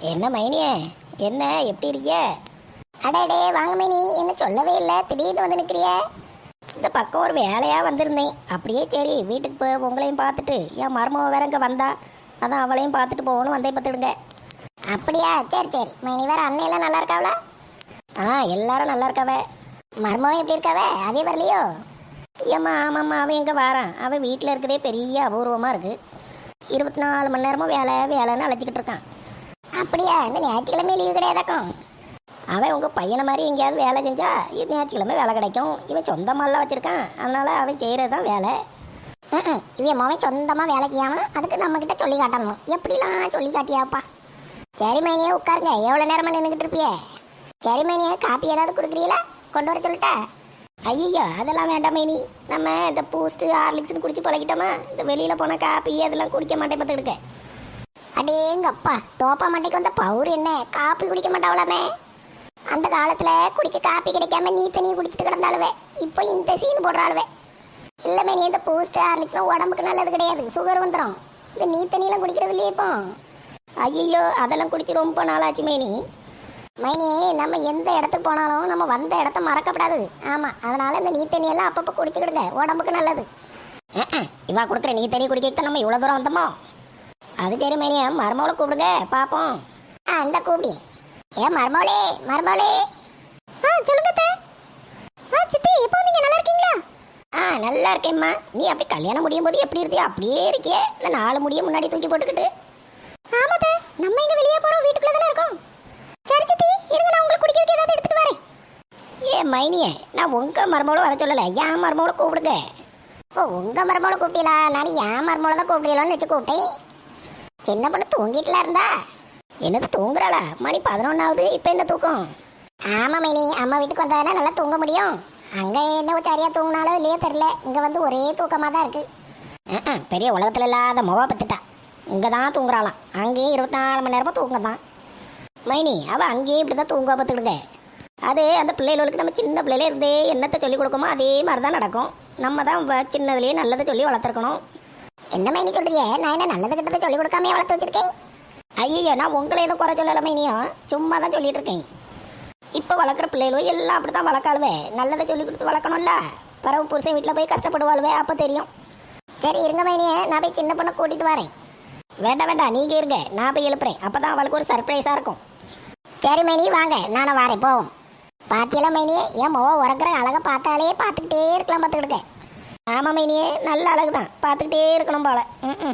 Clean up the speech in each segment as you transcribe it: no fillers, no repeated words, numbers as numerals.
என்ன மைனியே, என்ன எப்படி இருக்கிய? அடடே வாங்க மைனி, என்ன சொல்லவே இல்லை, திடீர்னு வந்து நிற்கிறிய? இந்த பக்கம் ஒரு வேலையாக வந்திருந்தேன். அப்படியே சரி வீட்டுக்கு போய் உங்களையும் பார்த்துட்டு என் மருமக வேற இங்கே வந்தா, அதான் அவளையும் பார்த்துட்டு போகணும் வந்தே பார்த்துடுங்க. அப்படியா, சரி சரி. மைனி வேற அண்ணையெல்லாம் நல்லா இருக்காவளா? எல்லாரும் நல்லா இருக்காவே. மருமகம் எப்படி இருக்காவே? அவைய வரலையோ? ஏம்மா ஆமாம்மா, அவன் எங்கே வாரான்? அவன் வீட்டில் இருக்கிறதே பெரிய அபூர்வமாக இருக்குது. 24 மணி நேரமும் வேலை வேலைன்னு அழைச்சிக்கிட்டு இருக்கான். அப்படியா? இந்த ஞாயிற்றுக்கிழமை லீவு கிடையாதாக்கும்? அவன் உங்கள் பையனை மாதிரி எங்கேயாவது வேலை செஞ்சா ஞாயிற்றுக்கிழமை வேலை கிடைக்கும். இவன் சொந்தமாலாம் வச்சுருக்கான், அதனால் அவன் செய்கிறது தான் வேலை. இவன் மோவன் சொந்தமாக வேலை செய்யாமல் அதுக்கு நம்மக்கிட்ட சொல்லி காட்டணும். எப்படிலாம் சொல்லி காட்டியாப்பா? சரி மைனியே உட்காருங்க, எவ்வளோ நேரமாக நின்றுக்கிட்டு இருப்பியே? சரி மைனியே, காப்பி ஏதாவது கொடுக்குறீங்களா? கொண்டு வர சொல்லிட்டா? ஐயோ அதெல்லாம் வேண்டாம் மைனி, நம்ம இந்த பூஸ்ட்டு ஹார்லிக்ஸ்னு குடிச்சு பழகிட்டோமா, இந்த வெளியில் போன காப்பி அதெல்லாம் குடிக்க மாட்டேன் பார்த்துக்கிடுக்க. அடேங்கப்பா, டோப்பா மண்டைக்கு வந்த பவுர் என்ன காப்பி குடிக்க மாட்டாவளாமே? அந்த காலத்தில் குடிக்க காப்பி கிடைக்காம நீ தண்ணியை குடிச்சிட்டு கிடந்தாளுவே, இப்போ இந்த சீன் போடுறாளுவே. இல்லைமே, நீ இந்த பூஸ்ட் ஹார்லிக்ஸ்லாம் உடம்புக்கு நல்லது கிடையாது, சுகர் வந்துடும். இந்த நீ தண்ணியெலாம் குடிக்கிறது இல்லையே இப்போ? ஐயோ அதெல்லாம் குடிச்சு ரொம்ப நாளாச்சு மைனி. மைனி, நம்ம எந்த இடத்துக்கு போனாலும் நம்ம வந்த இடத்த மறக்கப்படாது. ஆமாம், அதனால இந்த நீ தண்ணியெல்லாம் அப்பப்போ குடிச்சுக்கிடுங்க, உடம்புக்கு நல்லது. இவா கொடுக்குற நீ தண்ணி குடிக்க நம்ம இவ்வளோ தூரம் வந்தோமோ? அது சரி மைனியா, மருமகளை கூப்பிடுங்க பார்ப்போம். அந்த கூப்பிடி. ஏன் மருமகளே, மருமகளே. சொல்லுங்க அத்தை. சித்தி, இப்போ நீங்க நல்லா இருக்கீங்களா? நல்லா இருக்கேம்மா. நீ அப்படி கல்யாணம் முடியும் போது எப்படி இருந்தியா அப்படியே இருக்கியே, இந்த 4 முடிய முன்னாடி தூக்கி போட்டுக்கிட்டு. ஆமாத்த, நம்ம இங்க வெளியே போறோம், வீட்டுக்குள்ள தானே இருக்கோம். சரி சித்தி, இருங்க, நான் உங்களுக்கு குடிக்கிறதுக்கு ஏதாவது எடுத்துட்டு வரேன். மைனியே, நான் உங்க மருமகளை வர சொல்லலை, என் மருமகளை கூப்பிடுங்க. ஓ, உங்க மருமகளை கூப்பிட்டீங்களா? நான் என் மருமகளை தான் கூப்பிடலான்னு வச்சு கூப்பிட்டேன். சின்ன பொண்ணு தூங்கிட்டுல இருந்தா. என்னது தூங்குறாளா? மணி 11ஆகுது, இப்போ என்ன தூக்கம்? ஆமா மைனி, அம்மா வீட்டுக்கு வந்தாதானே நல்லா தூங்க முடியும். அங்க என்ன சரியா தூங்கினாலும் இல்லையோ தெரியல, இங்க வந்து ஒரே தூக்கமா தான் இருக்கு. பெரிய உலகத்துல இல்லாத மொவா பத்துட்டா. இங்கே தான் தூங்குறாளாம், அங்கேயும் 24 மணி நேரமும் தூங்க தான். மைனி அவள் அங்கேயும் இப்படி தான் தூங்க பார்த்துக்கிடுங்க. அது அந்த பிள்ளைகளுக்கு நம்ம சின்ன பிள்ளையில இருந்தே என்னத்தை சொல்லிக் கொடுக்குமோ அதே மாதிரி தான் நடக்கும். நம்ம தான் சின்னதுலேயே நல்லதை சொல்லி வளர்த்துருக்கணும். என்ன மைனி சொல்றீங்க? நான் என்ன நல்லது கிட்டதை சொல்லிக் கொடுக்காம வளர்த்து வச்சிருக்கேன்? ஐயோ, நான் உங்களை எதுவும் குறை சொல்லலை மைனியும், சும்மா தான் சொல்லிட்டு இருக்கேன். இப்போ வளர்க்குற பிள்ளைகளும் எல்லாம் அப்படி தான் வளர்க்காளுவே, நல்லதை சொல்லி கொடுத்து வளர்க்கணும்ல. பறவை புருஷன் வீட்டில் போய் கஷ்டப்படுவாளுவே, அப்போ தெரியும். சரி இருங்க மைனியே, நான் போய் சின்ன பொண்ணை கூட்டிட்டு வரேன். வேண்டாம் வேண்டாம், நீங்கள் இருங்க, நான் போய் எழுப்புறேன், அப்போ தான் அவளுக்கு ஒரு சர்ப்ரைஸாக இருக்கும். சரி மைனி, வாங்க, நானும் வரேன், போவோம். பாத்தியெல்லாம் மைனியே, என் மொவ உறங்குற அழகை பார்த்தாலே பார்த்துக்கிட்டே இருக்கலாம் பார்த்துக்கிடுங்க. ஆமாம் மைனியே, நல்ல அழகு தான், பார்த்துக்கிட்டே இருக்கணும் போல.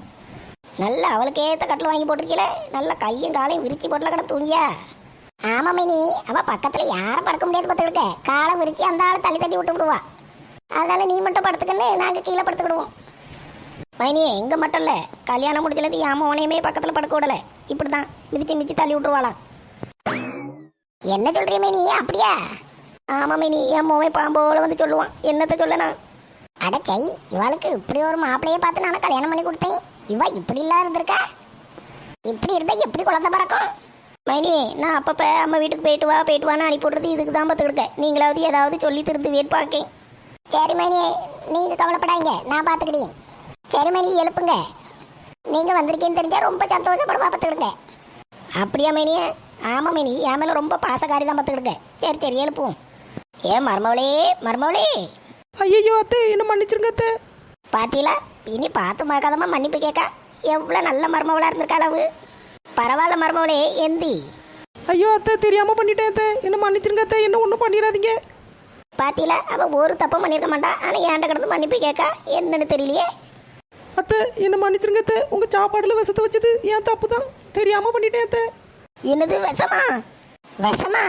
நல்ல அவளுக்கு ஏற்ற கட்டில் வாங்கி போட்டிருக்கீல, நல்ல கையும் காலையும் விரிச்சு போட்டில் கடை தூங்கியா? ஆமாம் மைனி, அவள் பக்கத்தில் யாரும் படுக்க முடியாது பார்த்துக்கிடுங்க. காலை விரிச்சு அந்த ஆளை தள்ளி தட்டி விட்டு விடுவா. அதனால நீ மட்டும் படுத்துக்கன்னு நாங்கள் கீழே படுத்துக்கிடுவோம். மைனியே, எங்கே மட்டும் இல்லை, கல்யாணம் முடிச்சலது என் மோனையுமே பக்கத்தில் படுக்க விடலை, இப்படி தான் மிதிச்சு மிதிச்சு தள்ளி விட்டுருவாளாம். என்ன சொல்கிறீ மைனி? அப்படியா? ஆமாம் மைனி, என் மோவை பாம்போல வந்து சொல்லுவான், என்னத்தை சொல்லனா? அடச்சை, இவளுக்கு இப்படி ஒரு மாப்பிள்ளையை பார்த்து நான் கல்யாணம் பண்ணி கொடுத்தேன். இவ இப்படி இல்லாம இருந்திருக்கா? இப்படி இருந்தா எப்படி குழந்தை பிறக்கும்? மைனி, நான் அப்பப்போ அம்மா வீட்டுக்கு போயிட்டு வான்னு அனுப்பி விட்றது இதுக்கு தான் பார்த்துக்கிடுக்க. நீங்களாவது ஏதாவது சொல்லி திருந்து வேட் பார்க்கேன். சரி மைனி, நீங்கள் கவலைப்படாங்க, நான் பார்த்துக்கிட்டேன். சரி மைனி, எழுப்புங்க. நீங்கள் வந்திருக்கேன்னு தெரிஞ்சால் ரொம்ப சந்தோஷப்படுவா, பார்த்துக்கிடுங்க. அப்படியா மைனியே? ஆமாம் மைனி, என் மேலே ரொம்ப பாசக்காரி தான் பார்த்துக்கிடுங்க. சரி சரி எழுப்புவோம். ஏன் மருமவளே, மருமவளே. ஐயோ அத்தை, என்ன மன்னிச்சிருங்க அத்தை. பாத்தீங்களா, இனி பார்த்து மறக்காதமா மன்னிப்பு கேட்கா. எவ்வளோ நல்ல மருமவளாக இருந்திருக்கா அளவு. பரவாயில்ல மருமவளே, எந்தி. ஐயோ அத்தை, தெரியாம பண்ணிட்டேன் அத்தை, என்ன மன்னிச்சிருங்க அத்தை, என்ன ஒன்றும் பண்ணிடாதீங்க. பாத்தீங்களா, அவள் ஒரு தப்பும் பண்ணியிருக்க மாட்டா, ஆனால் ஏன்ட கிடந்து மன்னிப்பு கேட்கா, என்னன்னு தெரியலையே. அத்தை, என்ன மன்னிச்சிருங்க அத்தை, உங்க சாப்பாடுல விஷத்தை வச்சது ஏன் தப்பு தான், தெரியாம பண்ணிட்டேன் அத்தை. என்னது விஷமா? விஷமா?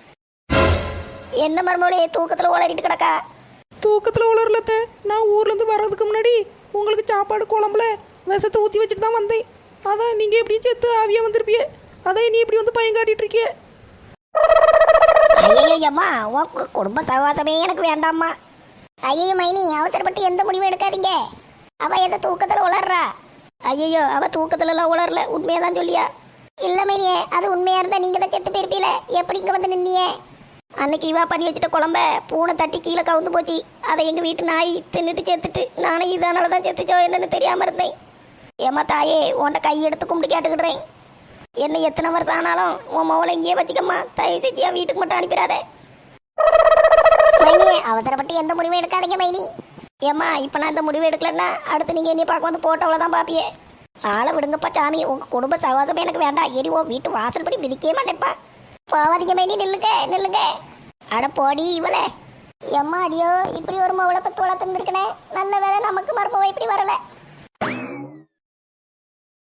என்ன மருமவளே, தூக்கத்தில் உளறிட்டு கிடக்கா? தூக்கத்தில் உளரல அத்தை, நான் ஊர்லேருந்து வர்றதுக்கு முன்னாடி உங்களுக்கு சாப்பாடு குழம்புல விஷத்தை ஊற்றி வச்சுட்டு தான் வந்தேன். அதான் நீங்கள் எப்படியும் செத்து ஆவியாக வந்திருப்பிய, அதான் நீ இப்படி வந்து பயம் காட்டிட்டு இருக்கிய. ஐயோ அம்மா, உன் குடும்ப சகவாசமே எனக்கு வேண்டாம்மா. ஐயோ மைனி, அவசரப்பட்டு எந்த முடிவும் எடுக்காதீங்க. அவள் எந்த தூக்கத்தில் உளர்றா? ஐயோ, அவள் தூக்கத்துலலாம் உளரல, உண்மையாக தான் சொல்லியா? இல்லை மைனியே, அது உண்மையாக இருந்தால் நீங்கள் தான் செத்து போயிருப்பீல, எப்படி இங்கே வந்து நின்னியே? அன்னைக்கு இவா பண்ணி வச்சுட்ட குழம்ப பூனை தட்டி கீழே கவுந்து போச்சு. அதை எங்கள் வீட்டு நாய் தின்னுட்டு செத்துட்டு, நானும் இதனால தான் செத்துச்சோ என்னன்னு தெரியாமல் இருந்தேன். ஏம்மா தாயே, உன்ட்ட கை எடுத்து கும்பிட்டு கேட்டுக்கிடுறேன். என்ன எத்தனை வருஷம் ஆனாலும் உன் மவளை இங்கேயே வச்சுக்கம்மா. தயவு செஞ்சு என் வீட்டுக்கு மட்டும் அனுப்பிடாதே. மைனி அவசரப்பட்டு எந்த முடிவும் எடுக்காதீங்க மைனி. ஏம்மா இப்போ நான் இந்த முடிவு எடுக்கலன்னா அடுத்து நீங்கள் என்னைய பார்க்க வந்து போட்டவளை தான் பார்ப்பியே. ஆளை விடுங்கப்பா சாமி. உங்கள் குடும்ப சகவாசமே எனக்கு வேண்டாம். எடி உன் வீட்டு வாசல் படி மிதிக்கவே மாட்டேன்ப்பா. போவாதீங்க மைனி, நில்லுங்க நில்லுங்க. அட போடி இவளே. எம்மா அடியோ, இப்படி ஒரு மவளை பத்து வளர்த்துருந்துருக்கனே. நல்ல வேலை நமக்கு மருமவ இப்படி வரல.